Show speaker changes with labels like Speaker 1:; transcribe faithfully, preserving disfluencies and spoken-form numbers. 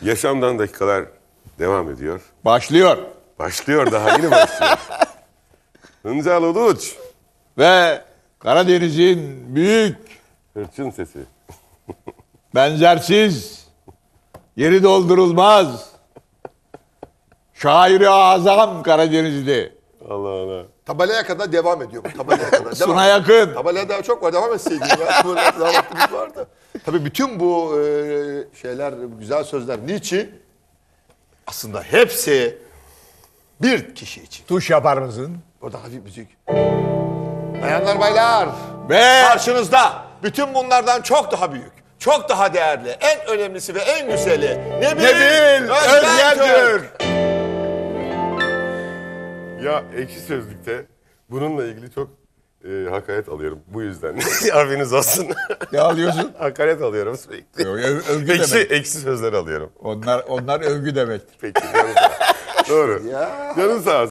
Speaker 1: Yaşamdan dakikalar devam ediyor.
Speaker 2: Başlıyor.
Speaker 1: Başlıyor, daha yeni başlıyor. Hıncal Uluç.
Speaker 2: Ve Karadeniz'in büyük,
Speaker 1: Hırçın sesi.
Speaker 2: benzersiz, yeri doldurulmaz, şairi azam Karadenizli.
Speaker 1: Allah Allah.
Speaker 3: Tabelaya kadar devam ediyor bu. Tabelaya kadar. Devam.
Speaker 2: Suna yakın.
Speaker 3: Tabelaya daha çok var. Devam etseydin ya. Böyle daha vaktimiz vardı. Tabii bütün bu e, şeyler, güzel sözler niçin? Aslında hepsi bir kişi için.
Speaker 2: Tuş yapar mısın?
Speaker 3: Orada hafif müzik. Bayanlar baylar.
Speaker 2: Ve
Speaker 3: Karşınızda bütün bunlardan çok daha büyük, çok daha değerli, en önemlisi ve en güzeli Nebil,
Speaker 2: Nebil Özgentür.
Speaker 1: Ya Ekşi Sözlük'te bununla ilgili çok e, hakaret alıyorum bu yüzden. Haberiniz olsun.
Speaker 2: Ne alıyorsun?
Speaker 1: Hakaret alıyorum sürekli.
Speaker 2: Yok, öv- övgü
Speaker 1: Ekşi,
Speaker 2: demek.
Speaker 1: ekşi sözler alıyorum.
Speaker 2: Onlar, onlar övgü demektir.
Speaker 1: Peki. Canın sağ olsun. Doğru.
Speaker 3: Ya.
Speaker 1: Canın sağ olsun.